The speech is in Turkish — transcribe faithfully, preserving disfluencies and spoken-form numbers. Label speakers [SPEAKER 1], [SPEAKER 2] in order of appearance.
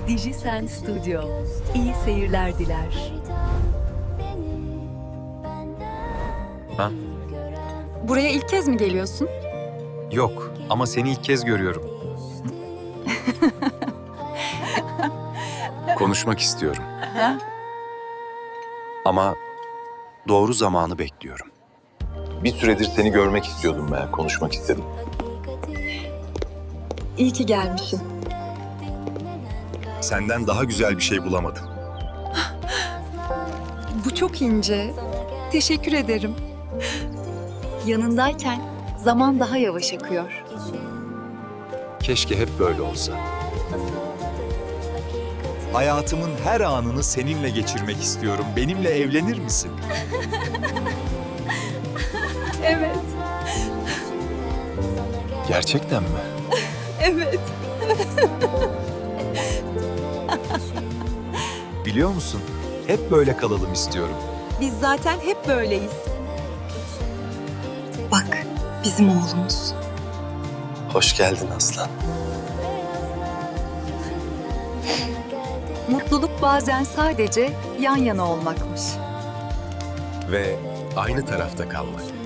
[SPEAKER 1] Dijisen Studio. İyi seyirler diler.
[SPEAKER 2] Ha?
[SPEAKER 3] Buraya ilk kez mi geliyorsun?
[SPEAKER 2] Yok ama seni ilk kez görüyorum. Konuşmak istiyorum. Ama doğru zamanı bekliyorum. Bir süredir seni görmek istiyordum ben, konuşmak istedim.
[SPEAKER 3] İyi ki gelmişsin.
[SPEAKER 2] Senden daha güzel bir şey bulamadım.
[SPEAKER 3] Bu çok ince. Teşekkür ederim. Yanındayken zaman daha yavaş akıyor.
[SPEAKER 2] Keşke hep böyle olsa. Hayatımın her anını seninle geçirmek istiyorum. Benimle evlenir misin?
[SPEAKER 3] Evet,
[SPEAKER 2] Gerçekten mi?
[SPEAKER 3] evet.
[SPEAKER 2] Biliyor musun? Hep böyle kalalım istiyorum.
[SPEAKER 3] Biz zaten hep böyleyiz. Bak, bizim oğlumuz.
[SPEAKER 2] Hoş geldin Aslan.
[SPEAKER 3] Mutluluk bazen sadece yan yana olmakmış.
[SPEAKER 2] Ve aynı tarafta kalmak.